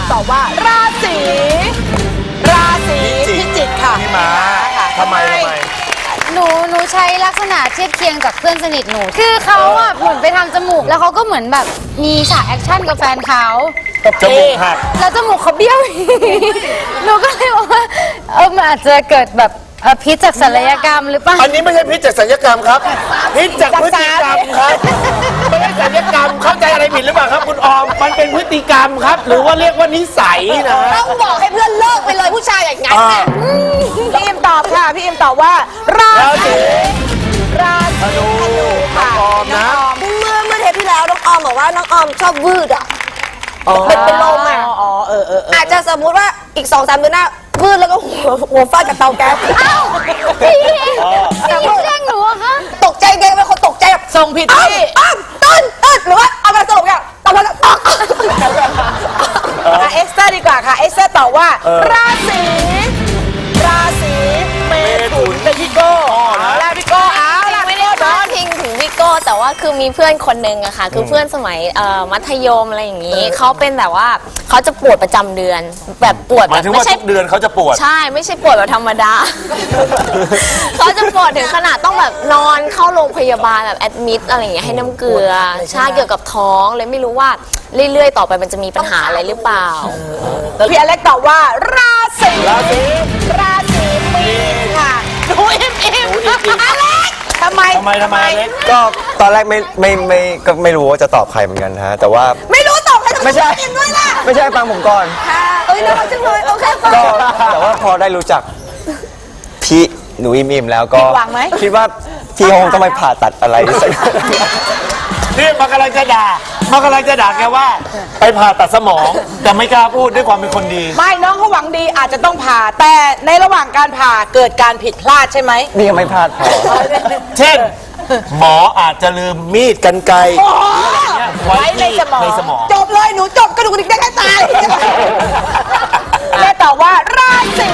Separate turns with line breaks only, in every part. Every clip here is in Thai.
ตอบว่าราศีพิจิกค่ะ
พี่ม้าทำไม
หนูใช้ลักษณะเทียบเคียงจากเพื่อนสนิทหนูคือเขาอะเหมือนไปทำจมูกแล้วเขาก็เหมือนแบบมีฉากแอคชั่นกับแฟนเขา
จมูกหัก
แล้วจมูกเขาเบี้ยวหนูก็เลยบอกว่ามันอาจจะเกิดแบบพิษจากศัลยกรรมหรือเปล่า
อันนี้ไม่ใช่พิษจากศัลยกรรมครับพิษจากพฤติกรรมครับไม่ใช่ศัลยกรรมเข้าใจอะไรผิดหรือเปล่าครับคุณออมมันเป็นพฤติกรรมครับหรือว่าเรียกว่านิสัยนะ
ต้องบอกให้เพื่อนเลิกไปเลยผู้ชายอย่างนั้นพี่อิมตอบค่ะพี่อิมตอบว่าราศีธนูค่ะ
ออมนะ
เมื่อเทปที่แล้วน้องออมบอกว่าน้องออมชอบวืดอ่ะเป็นลมอ่ะอาจจะสมมุติว่าอีก 2-3 เดือนหน้าวืดแล้วก็หัวฟาดกับเตาแก๊ส
อ้าวพี่แจ้งหนูอะคะ
ตกใจไงเป็นคนตกใจแบบส่งผิดที่ต้นหรือว่าเอามาสรุปอย่างตอบว่าเอ็กซ์เตอร์ดีกว่าค่ะเอ็กซ์เตอร์ตอบว่าราศีเมถุนเป็นพี่โก้แล้วพี่โก้
ไม่ได้พาดพิงถึงพี่โก้แต่ว่าคือมีเพื่อนคนหนึ่งอะค่ะคือเพื่อนสมัยมัธยมอะไรอย่างนี้เขาเป็นแบบว่าเขาจะปวดประจำเดือนแบบปวดแบบ
ไม่ใช่เดือนเขาจะปวด
ใช่ไม่ใช่ปวดแบบธรรมดาเขาจะปวดถึงขนาดต้องแบบนอนเข้าโรงพยาบาลแบบแอดมิดอะไรอย่างเงี้ยให้น้ำเกลือใช่เกี่ยวกับท้องเลยไม่รู้ว่าเรื่อยๆต่อไปมันจะมีปัญหาอะไรหรือเปล่า
พี่อเล็กตอบว่าราศีมีนค่ะดูอิ่มอเล็กทำไม
ก็ตอนแรกก็ไม่รู้ว่าจะตอบใครเหมือนกันฮะแต่ว่า
ไม่รู้ตอบใคร
ไม่ใช่
ด้วยล่ะ
ไม่ใช่ฟังผมก่อน
ค่ะน่ารักจังเลยโอเค
ก็แต่ว่าพอได้รู้จักพี่หนูอิมแล้วก็คิดว่าพี่คงต้องไปผ่าตัดอะไรสัก
นี่มากำลังจะด่าแกว่าไปผ่าตัดสมองแต่ไม่กล้าพูดด้วยความเป็นคนดี
ไม่น้องเขาหวังดีอาจจะต้องผ่าแต่ในระหว่างการผ่าเกิดการผิดพลาดใช่ไหม
นี่ยังไม่พลาดพอ
เช่นหมออาจจะลืมมีดกรรไกรไว้ในสมอง
จบเลยหนูจบกระดูกดิกได้แค่ตายแม่ตอบว่าราศี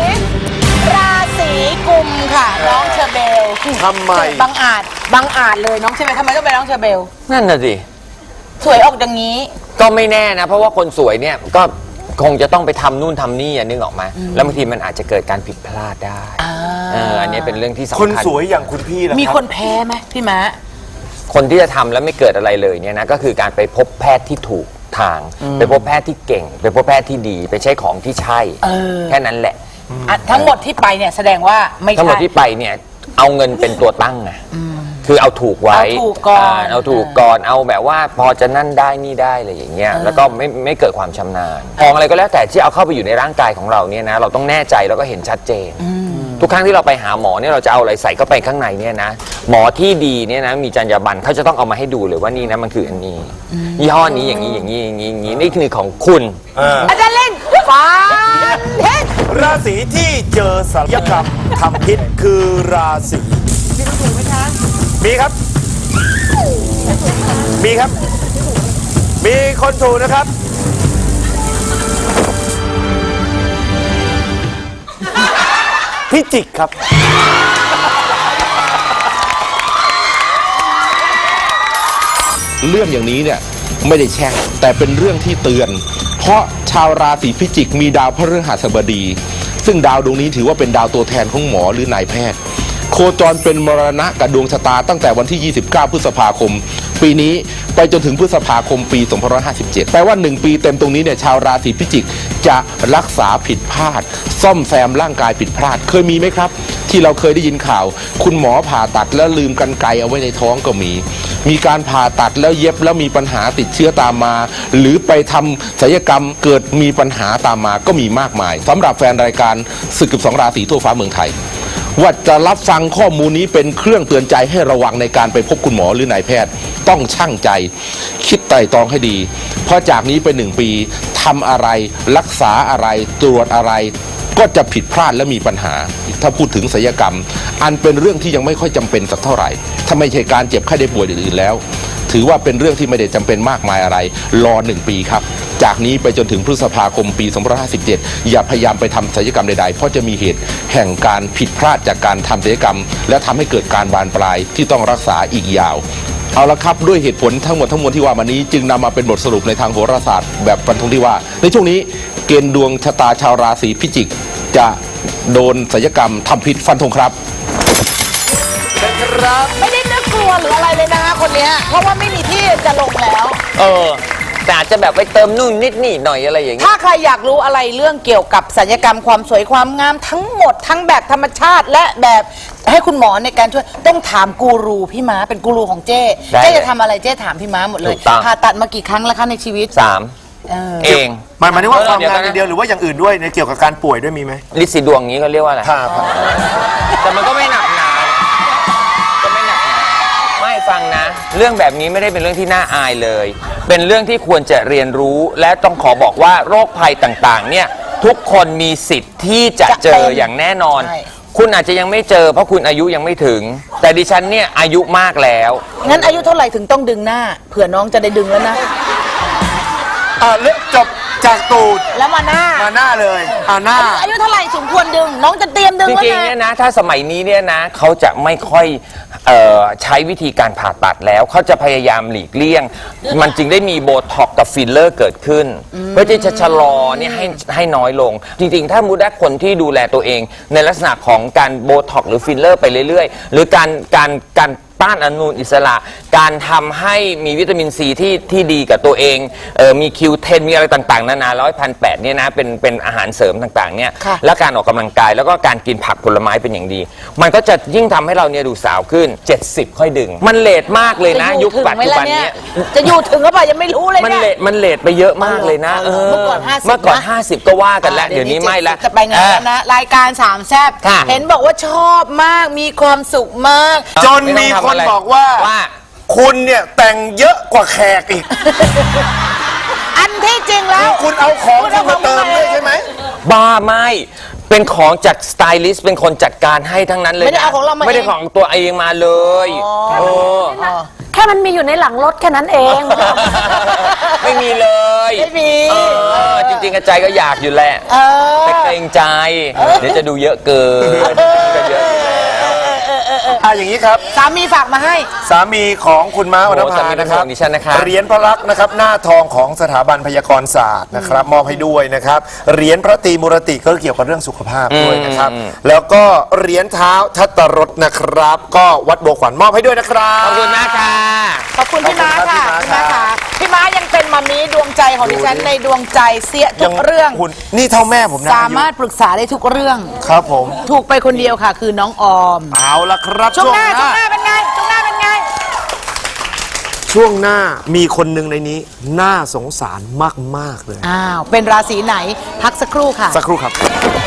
กุมค่ะน้องเชอเบล
ทำไม
บังอาจเลยน้องใช่ไหมทำไมต้องเป็นน้องเชอเบล
นั่นน่ะสิ
สวยออกอย่างนี้
ก็ไม่แน่นะเพราะว่าคนสวยเนี่ยก็คงจะต้องไปทำนู่นทำนี่นึกออกมาแล้วบางทีมันอาจจะเกิดการผิดพลาดได้อันนี้เป็นเรื่องที่สำคัญ
คนสวยอย่างคุณพี่ล่ะ
มีคนแพ้ไหมพี่ม้า
คนที่จะทำแล้วไม่เกิดอะไรเลยเนี่ยนะก็คือการไปพบแพทย์ที่ถูกทางไปพบแพทย์ที่เก่งไปพบแพทย์ที่ดีไปใช้ของที่ใช่แค่นั้นแหละ
ทั้งหมดที่ไปเนี่ยแสดงว่าไม่ใช่
ทั้งหมดที่ไปเนี่ยเอาเงินเป็นตัวตั้งไงคือเอาถูกไว้เอาถูกก่อนเอาแบบว่าพอจะนั่นได้นี่ได้อะไรอย่างเงี้ยแล้วก็ไม่เกิดความชำนาญของอะไรก็แล้วแต่ที่เอาเข้าไปอยู่ในร่างกายของเราเนี่ยนะเราต้องแน่ใจแล้วก็เห็นชัดเจนทุกครั้งที่เราไปหาหมอเนี่ยเราจะเอาอะไรใส่เข้าไปข้างในเนี่ยนะหมอที่ดีเนี่ยนะมีจรรยาบรรณเขาจะต้องเอามาให้ดูเลยว่านี่นะมันคืออันนี้ยี่ห้อนี้อย่างนี้นี่คือของคุณ
อาจารย์เล่นฟ้า
ราศีที่เจอศัลยกรรมทำพิษคือราศี
มีคนถูกไหมคะ
มีครับมีคนถูกนะครับพิจิกครับ
เรื่องอย่างนี้เนี่ยไม่ได้แช่งแต่เป็นเรื่องที่เตือนเพราะชาวราศีพิจิกมีดาวพฤหัสบดีซึ่งดาวดวงนี้ถือว่าเป็นดาวตัวแทนของหมอหรือนายแพทย์โคจรเป็นมรณะกับดวงชะตาตั้งแต่วันที่ 29 พฤษภาคมปีนี้ไปจนถึงพฤษภาคมปี 2557แปลว่า1 ปีเต็มตรงนี้เนี่ยชาวราศีพิจิกจะรักษาผิดพลาดซ่อมแซมร่างกายผิดพลาดเคยมีไหมครับที่เราเคยได้ยินข่าวคุณหมอผ่าตัดแล้วลืมกรรไกรเอาไว้ในท้องก็มีการผ่าตัดแล้วเย็บแล้วมีปัญหาติดเชื้อตามมาหรือไปทำศัลยกรรมเกิดมีปัญหาตามมาก็มีมากมายสำหรับแฟนรายการศึก12 ราศีทั่วฟ้าเมืองไทยว่าจะรับฟังข้อมูลนี้เป็นเครื่องเตือนใจให้ระวังในการไปพบคุณหมอหรือนายแพทย์ต้องชั่งใจคิดไตร่ตรองให้ดีเพราะจากนี้เป็น1 ปีทำอะไรรักษาอะไรตรวจอะไรก็จะผิดพลาดและมีปัญหาถ้าพูดถึงศัลยกรรมอันเป็นเรื่องที่ยังไม่ค่อยจำเป็นสักเท่าไหร่ถ้าไม่ใช่การเจ็บไข้ได้ป่วยอื่นๆแล้วถือว่าเป็นเรื่องที่ไม่ได้จำเป็นมากมายอะไรรอ1 ปีครับจากนี้ไปจนถึงพฤษภาคมปี 2557อย่าพยายามไปทำศัลยกรรมใดๆเพราะจะมีเหตุแห่งการผิดพลาดจากการทำศัลยกรรมและทำให้เกิดการบานปลายที่ต้องรักษาอีกยาวเอาละครับด้วยเหตุผลทั้งหมดทั้งมวลที่ว่ามานี้จึงนำมาเป็นบทสรุปในทางโหราศาสตร์แบบฟันธงที่ว่าในช่วงนี้เกณฑ์ดวงชะตาชาวราศีพิจิกจะโดนศัลยกรรมทำผิดฟันธงครับ
ไม่ได้นึกกลัวหรืออะไรเลยนะคะคนเนี้ยเพราะว่าไม่มีที่จะลงแล้ว
แต่อาจจะแบบไปเติมนู่นนิดนี่หน่อยอะไรอย่างเงี้ย
ถ้าใครอยากรู้อะไรเรื่องเกี่ยวกับศัลยกรรมความสวยความงามทั้งหมดทั้งแบบธรรมชาติและแบบให้คุณหมอในการช่วยต้องถามกูรูพี่ม้าเป็นกูรูของเจ้
ได้
เจ้จะทำอะไรเจ้ถามพี่ม้าหมดเลย
ถูกต้อง
ผ่าตัดมากี่ครั้งแล้วคะในชีวิต
3 เอง
หมายถึงว่าความงานอย่างเดียวหรือว่าอย่างอื่นด้วยในเกี่ยวกับการป่วยด้วยมีไหม
ลิสีดวงนี้เขาเรียกว่าอะไร
ครับ
แต่มันก็ไม่หนักหนาก็ไม่หนักหนาไม่ฟังนะ เรื่องแบบนี้ไม่ได้เป็นเรื่องที่น่าอายเลย เป็นเรื่องที่ควรจะเรียนรู้และต้องขอบอกว่าโรคภัยต่างๆเนี่ยทุกคนมีสิทธิ์ที่จะเจออย่างแน่นอน
ใช่
คุณอาจจะยังไม่เจอเพราะคุณอายุยังไม่ถึง แต่ดิฉันเนี่ยอายุมากแล้ว
งั้นอายุเท่าไหร่ถึงต้องดึงหน้าเผื่อน้องจะได้ดึงแล้วนะ
เลือกจบจากตูด
แล้วมาหน้า
มาหน้าเลยหน้า
อายุเท่าไหร่สมควรดึง น้องจะเตรียมดึง
จ
แล้ว
ริงๆ
นะ
เนี่ยนะถ้าสมัยนี้เนี่ยนะเขาจะไม่ค่อยใช้วิธีการผ่าตัดแล้วเขาจะพยายามหลีกเลี่ยง มันจึงได้มีโบท็อกกับฟิลเลอร์เกิดขึ้น เพื่อที่จะชะลอเนี่ยให้น้อยลง จริงๆ ถ้ามูได้คนที่ดูแลตัวเอง ในลักษณะของการโบท็อกหรือฟิลเลอร์ไปเรื่อยๆ หรือการต้านอนุมูลอิสระ การทำให้มีวิตามินซีที่ดีกับตัวเองมีคิวเทนมีอะไรต่างๆนานา100,800เนี่ยนะเป็นอาหารเสริมต่างๆเนี่ย
ค่ะ
และการออกกำลังกายแล้วก็การกินผักผลไม้เป็นอย่างดี มันก็จะยิ่งทำให้เราเนี่ยดูสาวขึ้น 70 ค่อยดึง มันเลทมากเลยนะ ยุคปัจจุบันเนี้ย
จะอยู่ถึงหรือเปล่ายังไม่รู้เลย
มัน
เนี่ย
มันเลทไปเยอะมากเลยนะ
เมื่อก่อน50
เมื่อก่อน
นะ
50 ก็ว่ากันแล้วเดี๋ยวนี้ไม่ละ
จะไปงานแล้วนะรายการสามแซ่บ
ค่ะ
เห็นบอกว่าชอบมากมีความสุขมาก
จนมีคนบอกว่า คุณเนี่ยแต่งเยอะกว่าแขกอีก
อันที่จริงแล้ว
คุณเอาของที่มาเติมด้วยใช่ไหม
บ้าไม่เป็นของจากสไตลิสต์เป็นคนจัดการให้ทั้งนั้นเลยนะ
ไม่ได้เอาของเรามาเอง
ไม่ได้ของตัวเองมาเลยอ
แค่มันมีอยู่ในหลังรถแค่นั้นเอง
ไม่มีเลย
ไม่มี
จริงๆกระใจก็อยากอยู่แหละ แต่เกรงใจ เดี๋ยวจะดูเยอะเกินก็เยอะอยู่แล้ว
อย่างนี้ครับ
สามีฝากมาให้
สามีของคุณม้า
โอ้
วรรณ
สา
ภา
มี
นะครับ
ของดิฉันนะครับ
เหรียญพระลักษณ์นะครับหน้าทองของสถาบันพยากรศาสตร์นะครับมอบให้ด้วยนะครับเหรียญพระตรีมุรติก็เกี่ยวกับเรื่องสุขภาพด้วยนะครับแล้วก็เหรียญเท้าทัตตรสนะครับ ก็วัดบัวขวัญมอบให้ด้วยนะครับ
ขอบคุณมากค่ะ
ขอบคุณพี่ม้าค่ะ
ขอบคุณ
พี่
ครั
ม้า
บ
ค่ะพี่ม้ายังเป็นมามีดวงใจของดิฉันในดวงใจเสียทุกเรื่อง
คุณนี่เท่าแม่ผมนะ
สามารถปรึกษาได้ทุกเรื่อง
ครับผม
ถูกไปคนเดียวค่ะ คือน้องออม
เอาละครับ
ช่วงหน้าเป็นไงช่วงหน้าเป็นไง
ช่วงหน้ามีคนหนึ่งในนี้น่าสงสารมากๆเลย
อ้าว เป็นราศีไหน พักสักครู่ค่ะ
สักครู่ครับ